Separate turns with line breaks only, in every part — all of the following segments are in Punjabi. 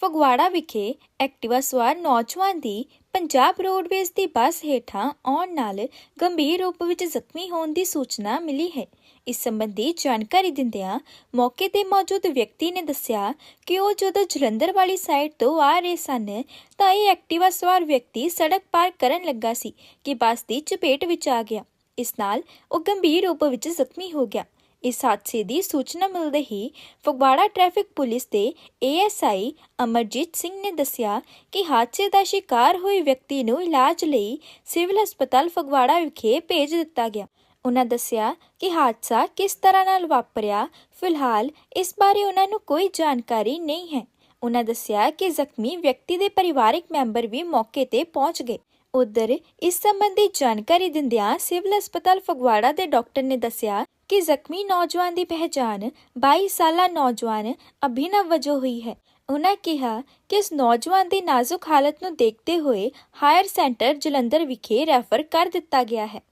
ਫਗਵਾੜਾ ਵਿਖੇ ਐਕਟਿਵਾ ਸਵਾਰ ਨੌਜਵਾਨ ਦੀ ਪੰਜਾਬ ਰੋਡਵੇਜ਼ ਦੀ ਬੱਸ ਹੇਠਾਂ ਆਉਣ ਨਾਲ ਗੰਭੀਰ ਰੂਪ ਵਿੱਚ ਜ਼ਖਮੀ ਹੋਣ ਦੀ ਸੂਚਨਾ ਮਿਲੀ ਹੈ। ਇਸ ਸੰਬੰਧੀ ਜਾਣਕਾਰੀ ਦਿੰਦਿਆਂ ਮੌਕੇ ਤੇ ਮੌਜੂਦ ਵਿਅਕਤੀ ਨੇ ਦੱਸਿਆ ਕਿ ਉਹ ਜਦੋਂ ਜਲੰਧਰ ਵਾਲੀ ਸਾਈਡ ਤੋਂ ਆ ਰਹੇ ਸਨ ਤਾਂ ਇਹ ਐਕਟਿਵਾ ਸਵਾਰ ਵਿਅਕਤੀ ਸੜਕ ਪਾਰ ਕਰਨ ਲੱਗਾ ਸੀ ਕਿ ਬੱਸ ਦੀ ਚਪੇਟ ਵਿੱਚ ਆ ਗਿਆ। ਇਸ ਨਾਲ ਉਹ ਗੰਭੀਰ ਰੂਪ ਵਿੱਚ ਜ਼ਖਮੀ ਹੋ ਗਿਆ। ਇਸ ਹਾਦਸੇ ਦੀ ਸੂਚਨਾ ਮਿਲਦੇ ਹੀ ਫਗਵਾੜਾ ਟ੍ਰੈਫਿਕ ਪੁਲਿਸ ਦੇ ASI ਅਮਰਜੀਤ ਸਿੰਘ ਨੇ ਦੱਸਿਆ ਕਿ ਹਾਦਸੇ ਦਾ ਸ਼ਿਕਾਰ ਹੋਏ ਵਿਅਕਤੀ ਨੂੰ ਇਲਾਜ ਲਈ ਸਿਵਲ ਹਸਪਤਾਲ ਫਗਵਾੜਾ ਵਿਖੇ ਭੇਜ ਦਿੱਤਾ ਗਿਆ। ਉਹਨਾਂ ਦੱਸਿਆ ਕਿ ਹਾਦਸਾ ਕਿਸ ਤਰ੍ਹਾਂ ਨਾਲ ਵਾਪਰਿਆ, ਫਿਲਹਾਲ ਇਸ ਬਾਰੇ ਉਹਨਾਂ ਨੂੰ ਕੋਈ ਜਾਣਕਾਰੀ ਨਹੀਂ ਹੈ। ਉਹਨਾਂ ਦੱਸਿਆ ਕਿ ਜ਼ਖਮੀ ਵਿਅਕਤੀ ਦੇ ਪਰਿਵਾਰਕ ਮੈਂਬਰ ਵੀ ਮੌਕੇ ਤੇ ਪਹੁੰਚ ਗਏ। ਉਧਰ ਇਸ ਸੰਬੰਧੀ ਜਾਣਕਾਰੀ ਦਿੰਦਿਆਂ ਸਿਵਲ ਹਸਪਤਾਲ ਫਗਵਾੜਾ ਦੇ ਡਾਕਟਰ ਨੇ ਦੱਸਿਆ ਕਿ ਜ਼ਖਮੀ ਨੌਜਵਾਨ ਦੀ ਪਹਿਚਾਣ 22 ਸਾਲਾ ਨੌਜਵਾਨ ਅਭਿਨਵ ਵਜੋਂ ਹੋਈ ਹੈ। ਉਹਨਾਂ ਕਿਹਾ ਕਿ ਇਸ ਨੌਜਵਾਨ ਦੀ ਨਾਜ਼ੁਕ ਹਾਲਤ ਨੂੰ ਦੇਖਦੇ ਹੋਏ ਹਾਇਰ ਸੈਂਟਰ ਜਲੰਧਰ ਵਿਖੇ ਰੈਫਰ ਕਰ ਦਿੱਤਾ ਗਿਆ ਹੈ।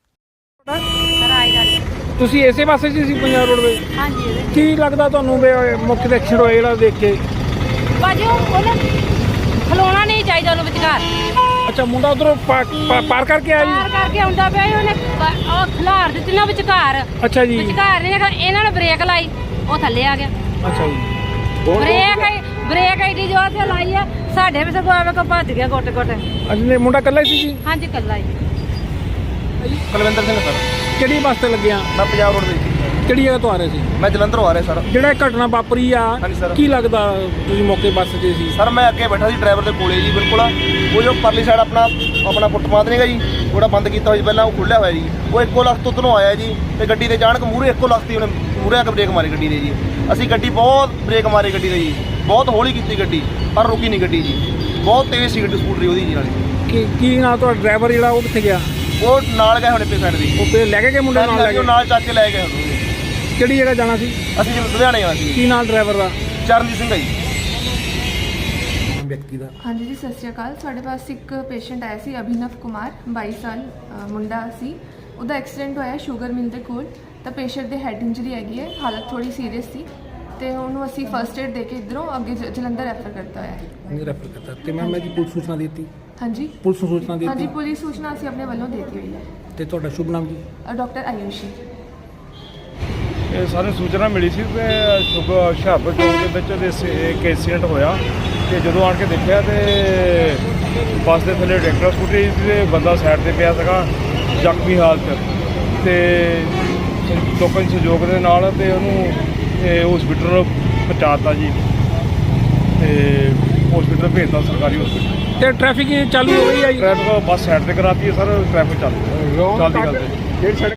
ਤੁਸੀਂ ਇਸੇ ਪਾਸੇ ਸੀ ਪੰਜਾਬ ਰੋਡਵੇ?
ਹਾਂਜੀ।
ਕੀ ਲੱਗਦਾ ਤੁਹਾਨੂੰ ਮੁੱਖ ਦੇ ਐਕਸੀਡੈਂਟ ਹੋਇਆ ਜਿਹੜਾ ਦੇਖ ਕੇ?
ਭਾਜੀ ਉਹਨੇ ਖਲੋਣਾ ਨਹੀਂ ਚਾਹੀਦਾ ਉਹਨੂੰ ਵਿਚਕਾਰ।
ਅੱਛਾ, ਮੁੰਡਾ ਉਧਰੋਂ ਪਾਰ ਕਰਕੇ ਆਇਆ ਜੀ?
ਪਾਰ ਕਰਕੇ ਆਉਂਦਾ ਪਿਆ ਉਹਨੇ ਉਹ ਖਿਲਾਰ ਦਿੱਤੀ ਨਾ ਵਿਚਕਾਰ।
ਅੱਛਾ ਜੀ।
ਵਿਚਕਾਰ ਨੇ ਇਹਨਾਂ ਨੇ ਬ੍ਰੇਕ ਲਾਈ, ਉਹ ਥੱਲੇ ਆ ਗਿਆ।
ਅੱਛਾ ਜੀ।
ਬ੍ਰੇਕ ਐਡੀ ਜ਼ੋਰ ਤੇ ਲਾਈ ਆ, ਸਾਡੇ ਵੀ ਸਗੋਂ ਆਵੇ ਕੋ ਭੱਜ ਗਿਆ ਗੋਟੇ ਗੋਟੇ।
ਅੱਛਾ, ਮੁੰਡਾ ਇਕੱਲਾ ਸੀ ਜੀ?
ਹਾਂਜੀ ਇਕੱਲਾ ਹੀ।
ਕੁਲਵਿੰਦਰ ਸਿੰਘ ਸਰ।
ਕਿਹੜੀ ਬੱਸ ਤੇ ਲੱਗਿਆ?
ਮੈਂ ਪੰਜਾਬ ਰੋਡ ਵਿੱਚ।
ਕਿਹੜੀ ਜਗ੍ਹਾ ਤੋਂ ਆ ਰਹੇ ਸੀ?
ਮੈਂ ਜਲੰਧਰੋਂ ਆ ਰਿਹਾ ਸਰ।
ਜਿਹੜਾ ਘਟਨਾ ਵਾਪਰੀ ਆ,
ਹਾਂਜੀ ਸਰ।
ਕੀ ਲੱਗਦਾ ਤੁਸੀਂ ਮੌਕੇ ਬੱਸ 'ਚ ਸੀ?
ਸਰ ਮੈਂ ਅੱਗੇ ਬੈਠਾ ਸੀ ਡਰਾਈਵਰ ਦੇ ਕੋਲੇ ਜੀ, ਬਿਲਕੁਲ ਉਹ ਜੋ ਪਰਲੀ ਸਾਈਡ ਆਪਣਾ ਫੁੱਟਪਾਥ ਨਹੀਂਗਾ ਜੀ, ਉਹਦਾ ਬੰਦ ਕੀਤਾ ਹੋਇਆ ਪਹਿਲਾਂ, ਉਹ ਖੁੱਲਿਆ ਹੋਇਆ ਜੀ। ਉਹ ਇੱਕੋ ਲੱਖ ਤੋਂ ਉੱਧਰੋਂ ਆਇਆ ਜੀ ਤੇ ਗੱਡੀ ਦੇ ਅਚਾਨਕ ਮੂਹਰੇ ਇੱਕੋ ਲੱਖ ਦੀ ਉਹਨੇ ਮੂਹਰੇ ਆ ਕੇ ਬ੍ਰੇਕ ਮਾਰੀ ਗੱਡੀ ਦੇ ਜੀ। ਅਸੀਂ ਗੱਡੀ ਬਹੁਤ ਬ੍ਰੇਕ ਮਾਰੀ ਗੱਡੀ ਦੇ ਜੀ, ਬਹੁਤ ਹੌਲੀ ਕੀਤੀ ਗੱਡੀ, ਪਰ ਰੁਕੀ ਨਹੀਂ ਗੱਡੀ ਜੀ। ਬਹੁਤ ਤੇਜ਼ ਸੀ ਗੱਡੀ, ਸਕੂਟਰੀ ਉਹਦੀ ਜੀ ਨਾਲੇ।
ਕੀ ਨਾਲ ਤੁਹਾਡਾ ਡਰਾਈਵਰ ਜਿਹੜਾ ਉਹ ਕਿੱਥੇ ਗਿਆ?
ਉਹ ਨਾਲ ਗਏ ਹੁਣ ਇੱਥੇ ਸਾਈਡ ਦੀ।
ਉਹ ਫੇਰ ਲੈ ਕੇ ਗਏ ਮੁੰਡੇ ਨਾਲ? ਲੈ ਕੇ
ਨਾਲ ਚੱਕ ਕੇ ਲੈ ਗਏ ਉਹਨੂੰ।
ਕਿਹੜੀ ਜਗ੍ਹਾ ਜਾਣਾ ਸੀ?
ਅਸੀਂ ਜਿਵੇਂ ਲੁਧਿਆਣੇ ਜਾਣਾ ਸੀ।
ਕੀ ਨਾਲ ਡਰਾਈਵਰ ਦਾ?
ਚਰਨਜੀਤ ਸਿੰਘ ਹੈ ਜੀ।
ਵਿਅਕਤੀ ਦਾ?
ਹਾਂਜੀ ਜੀ, ਸਤਿ ਸ਼੍ਰੀ ਅਕਾਲ। ਸਾਡੇ ਪਾਸ ਇੱਕ ਪੇਸ਼ੈਂਟ ਆਇਆ ਸੀ, ਅਭਿਨਵ ਕੁਮਾਰ, 22 ਸਾਲ ਮੁੰਡਾ ਸੀ। ਉਹਦਾ ਐਕਸੀਡੈਂਟ ਹੋਇਆ ਸ਼ੂਗਰ ਮਿਲ ਦੇ ਕੋਲ। ਤਾਂ ਪੇਸ਼ੈਂਟ ਦੇ ਹੈਡ ਇੰਜਰੀ ਹੈਗੀ ਹੈ, ਹਾਲਤ ਥੋੜੀ ਸੀਰੀਅਸ ਸੀ ਤੇ ਉਹਨੂੰ ਅਸੀਂ ਫਸਟ ਏਡ ਦੇ ਕੇ ਇੱਧਰੋਂ ਅੱਗੇ ਜਲੰਧਰ ਰੈਫਰ ਕਰਤਾ ਹੋਇਆ ਹੈ।
ਨਹੀਂ ਰੈਫਰ ਕਰਤਾ ਤੇ ਮੈਂ ਜੀ ਪੁਲਿਸ ਸੂਚਨਾ ਦਿੱਤੀ?
ਹਾਂਜੀ,
ਪੁਲਿਸ ਨੂੰ ਸੂਚਨਾ ਦਿੱਤੀ?
ਹਾਂਜੀ, ਪੁਲਿਸ ਸੂਚਨਾ ਅਸੀਂ ਆਪਣੇ ਵੱਲੋਂ ਦੇ ਦਿੱਤੀ ਹੋਈ ਹੈ।
ਤੇ ਤੁਹਾਡਾ ਸ਼ੁਭ ਨਾਮ ਜੀ?
ਡਾਕਟਰ ਆਯੂਸ਼ੀ।
ਇਹ ਸਾਨੂੰ ਸੂਚਨਾ ਮਿਲੀ ਸੀ ਕਿ ਹੁਸ਼ਿਆਰਪੁਰ ਚੌਂਕ ਦੇ ਵਿੱਚ ਇੱਕ ਐਕਸੀਡੈਂਟ ਹੋਇਆ ਤੇ ਜਦੋਂ ਆਣ ਕੇ ਦੇਖਿਆ ਤੇ ਬੱਸ ਦੇ ਥੱਲੇ ਟਰੈਕਟਰ ਸਕੂਟਰੀ ਤੇ ਬੰਦਾ ਸਾਈਡ ਤੇ ਪਿਆ ਸੀਗਾ ਜ਼ਖਮੀ ਹਾਲਤ ਤੇ ਲੋਕਾਂ ਦੇ ਸਹਿਯੋਗ ਦੇ ਨਾਲ ਤੇ ਉਹਨੂੰ ਹਸਪੀਟਲ ਪਹੁੰਚਾਤਾ ਜੀ ਤੇ ਹਸਪੀਟਲ ਭੇਜਤਾ, ਸਰਕਾਰੀ ਹਸਪੀਟਲ।
ਤੇ ਟ੍ਰੈਫਿਕ ਚਾਲੂ ਹੋ ਗਈ ਹੈ ਜੀ?
ਟ੍ਰੈਫਿਕ ਬੱਸ ਸਾਈਡ ਤੇ ਕਰਾਤੀ ਹੈ ਸਰ, ਟ੍ਰੈਫਿਕ ਚੱਲਦੀ ਗੱਲ ਤੇ।